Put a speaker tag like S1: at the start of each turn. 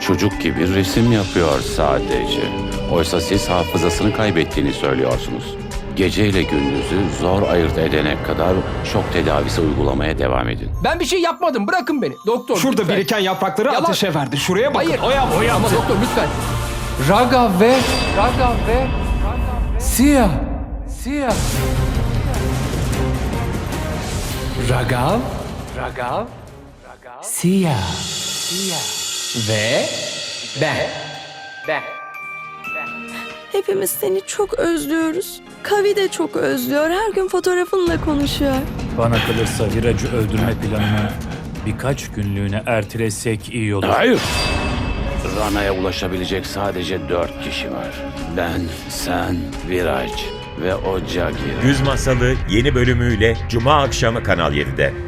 S1: çocuk gibi resim yapıyor sadece. Oysa siz hafızasını kaybettiğini söylüyorsunuz. Gece ile gündüzü zor ayırt edene kadar şok tedavisi uygulamaya devam edin.
S2: Ben bir şey yapmadım. Bırakın beni. Doktor
S3: Şurada
S2: lütfen.
S3: biriken yaprakları
S2: Yalan.
S3: ateşe verdi. Şuraya bakın.
S2: Hayır.
S3: O yaptı.
S2: Ama doktor lütfen. Raga ve Siyah. Ragav Siyah ve ben.
S4: Hepimiz seni çok özlüyoruz. Kavi de çok özlüyor. Her gün fotoğrafınla konuşuyor.
S5: Bana kalırsa Viraj'ı öldürme planını birkaç günlüğüne ertelesek iyi olur.
S1: Hayır! Rana'ya ulaşabilecek sadece 4 kişi var. Ben, sen, Viraj ve o Jagir.
S6: Güz Masalı yeni bölümüyle Cuma akşamı Kanal 7'de.